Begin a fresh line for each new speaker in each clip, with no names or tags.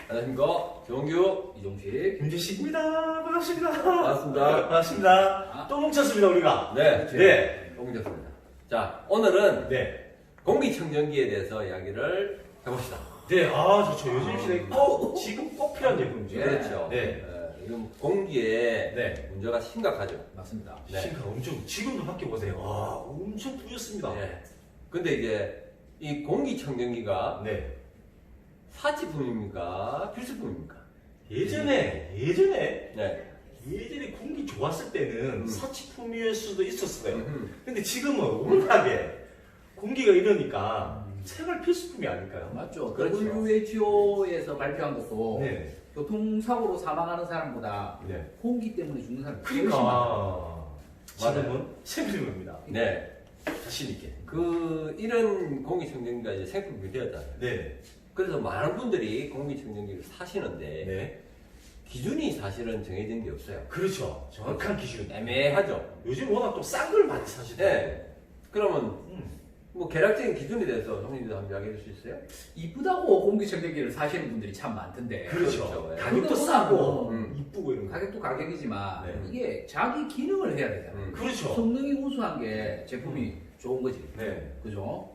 안녕하십니까. 정규, 이종식.
김재식입니다. 반갑습니다.
반갑습니다.
반갑습니다. 또 뭉쳤습니다, 우리가.
네.
네.
공개됐습니다. 자, 오늘은
네.
공기청정기에 대해서 이야기를 해봅시다.
네, 좋죠. 요즘 시대에 지금 꼭 필요한 제품이죠.
그렇죠.
네.
지금 공기에
네.
문제가 심각하죠.
맞습니다.
네.
신가 엄청, 지금도 밖에 보세요. 엄청 뿌였습니다.
네. 근데 이제 이 공기청정기가
네.
사치품입니까? 필수품입니까?
예전에
네.
공기 좋았을 때는 사치품일 수도 있었어요.
음.
근데 지금은 워낙에 공기가 이러니까 생활 필수품이 아닐까요?
맞죠.
그렇죠.
WHO에서 발표한 것도
네.
교통사고로 사망하는 사람보다
네.
공기 때문에 죽는 사람이 훨씬 많아요.
그러니까
맞아요.
지금은 생필 겁니다.
네.
자신 있게.
이런 공기청정기가 이제 생품이 되었잖아요.
네.
그래서 많은 분들이 공기청정기를 사시는데
네.
기준이 사실은 정해진 게 없어요.
그렇죠. 정확한 기준.
애매하죠.
요즘 워낙 또 싼 걸 많이 사시더라고요.
네. 그러면
음.
뭐 계략적인 기준에 대해서 형님도 한번 이야기해 줄 수 있어요?
이쁘다고 공기청정기를 사시는 분들이 참 많던데
그렇죠.
그렇죠. 네.
가격도
근데
싸고
음.
이쁘고 이런 거.
가격도 가격이지만
네.
이게 자기 기능을 해야 되잖아요.
그렇죠.
성능이 우수한 게 제품이 좋은 거지.
네.
그죠?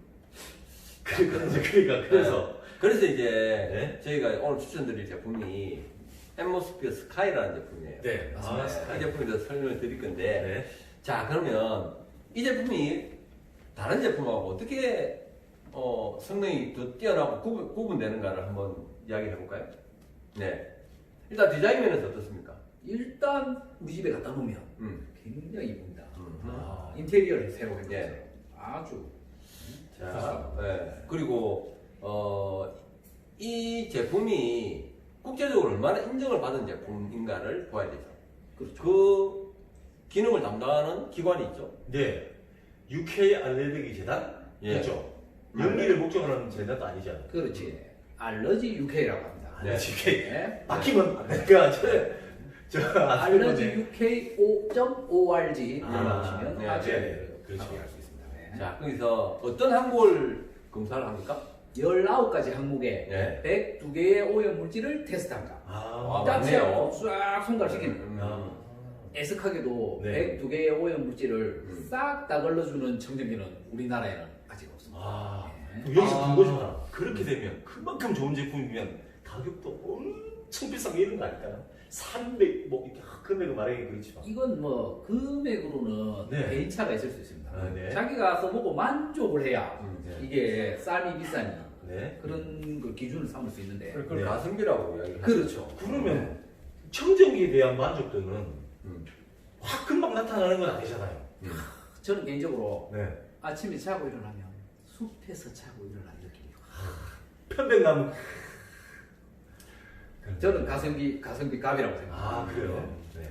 그래서 이제
네.
저희가 오늘 추천드릴 제품이 앰모스피어 스카이라는 제품이에요.
네. 맞습니다.
이 제품에 대해서 설명을 드릴 건데
네.
자, 그러면 이 제품이 다른 제품하고 어떻게 성능이 더 뛰어나고 구분되는가를 한번 이야기해 볼까요? 네. 일단 디자인 면에서 어떻습니까?
일단 우리 집에 갖다 놓으면
음.
굉장히 이쁩니다.
아,
인테리어를 새로 해서
네.
아주
자, 네. 그리고 이 제품이 국제적으로 얼마나 인정을 받은 제품인가를 봐야 되죠.
그렇죠.
그 기능을 담당하는 기관이 있죠.
네. UK 알레르기 재단?
예.
그렇죠. 연기를 목적으로 하는 재단도 아니잖아요.
그렇지. 알러지 UK라고 합니다.
네.
알레르기 UK.
네.
막히면 안 되니까 저
알러지 UK.org
아,
들어가시면
네,
아주
네. 그렇죠.
확인할 수 있습니다. 네.
자, 거기서 어떤 항골 검사를 합니까?
19가지 항목에
네.
102개의 오염 물질을 테스트합니다.
아,
딱
맞네요.
싹 손가락시키는 애석하게도
네.
102개의 오염 물질을
음.
싹 다 걸러주는 청정기는 우리나라에는 아직 없습니다.
그럼 여기서 본 거죠. 하나. 그렇게 되면 그만큼 좋은 제품이면 가격도 엄청 비싸게 이런 거 아닐까요? 300, 뭐, 이렇게 금액을 말하기 그렇지만.
이건 뭐 금액으로는
네.
개인차가 있을 수 있습니다.
아, 네.
자기가 써보고 만족을 해야
네.
이게 쌀이 비싸니
네.
그런 걸 기준을 삼을 수 있는데
그걸
네.
가성비라고 이야기를 하죠.
그렇죠.
그러면 청정기에 대한 만족도는
음.
확 금방 나타나는 건 아니잖아요.
저는 개인적으로
네.
아침에 자고 일어나면 숲에서 자고 일어나는 느낌이
편백나무.
저는 가성비 값이라고 생각합니다.
아, 그래요? 네.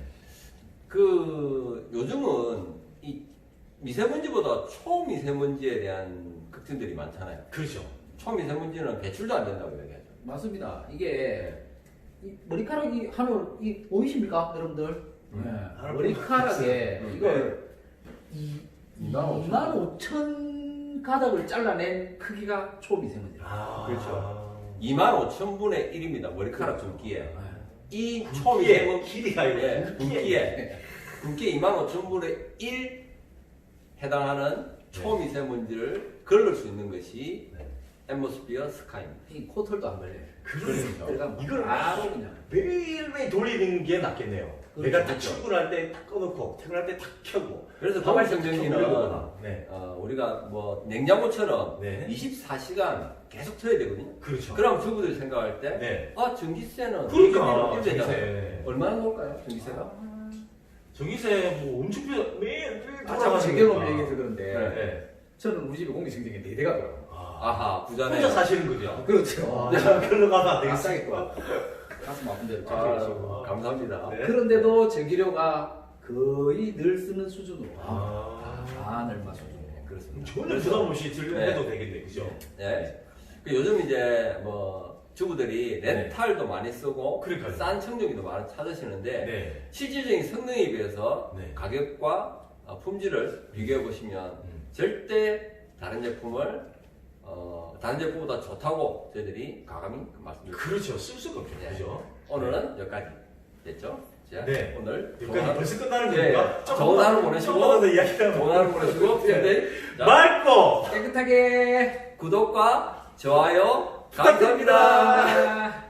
요즘은 이 미세먼지보다 초미세먼지에 대한 걱정들이 많잖아요.
그렇죠.
초미세먼지는 배출도 안 된다고 얘기하죠.
맞습니다. 이게 이 머리카락이 하늘 이 보이십니까, 여러분들? 네.
하늘
머리카락에
보이죠.
이걸
25,000
25,000 가닥을 잘라낸 크기가 초미세먼지라.
아,
그렇죠. 25,000분의 1입니다. 머리카락 굵기에. 이
굵기에,
초미세먼지
길이가 아니고
예,
굵기에.
굵기에 25,000분의 1 해당하는
네.
초미세먼지를 걸을 수 있는 것이
네.
앰모스피어 스카이입니다.
이 코털도 안 걸려요.
그러니까.
들어가면
이걸
바로 그냥.
매일매일 돌리는 게 낫겠네요.
그렇죠.
내가 딱
그렇죠.
출근할 때 딱 꺼놓고 퇴근할 때 딱 켜고.
그래서
가만히
공기청정기는
켜보려거나. 네.
우리가 뭐 냉장고처럼
네.
24시간 계속 틀어야 되거든요.
그렇죠.
그럼 주부들이 생각할 때
네.
전기세는
그러니까
이렇게 되잖아요.
전기세.
얼마나 나올까요? 전기세가?
전기세 뭐 엄청 비싸. 매일
자꾸 제경험 얘기해서 그런데
네.
저는 우리 집에 공기청정기 4대가 돌아요.
아하, 부자네.
혼자 사시는 거죠?
그렇죠.
별로 가면 안
아싸게
되겠어요.
또 가슴 아픈 데로
아,
챙겨주시고.
감사합니다.
네.
그런데도 전기료가 거의 늘 쓰는 수준으로
아.
반 얼마 수준으로.
그렇습니다.
전혀 부담 없이 들려도 되겠네, 그죠?
네. 요즘 이제 뭐 주부들이 렌탈도 많이 쓰고
그러니까요.
싼 청정기도 많이 찾으시는데
네.
실질적인 성능에 비해서
네.
가격과 품질을 비교해 보시면 절대 다른 제품을 다른 제품보다 좋다고 저희들이 과감히 말씀드립니다.
그렇죠. 쓸 수가 없죠.
네.
그죠?
오늘은 여기까지 됐죠? 자,
네.
오늘
여기까지 벌써 끝나는
네.
겁니까?
좋은 하루 보내시고,
조금만 더 이야기를
좋은 하루 보내시고, 네. 자,
맑고
깨끗하게
구독과 좋아요
부탁드립니다.
감사합니다.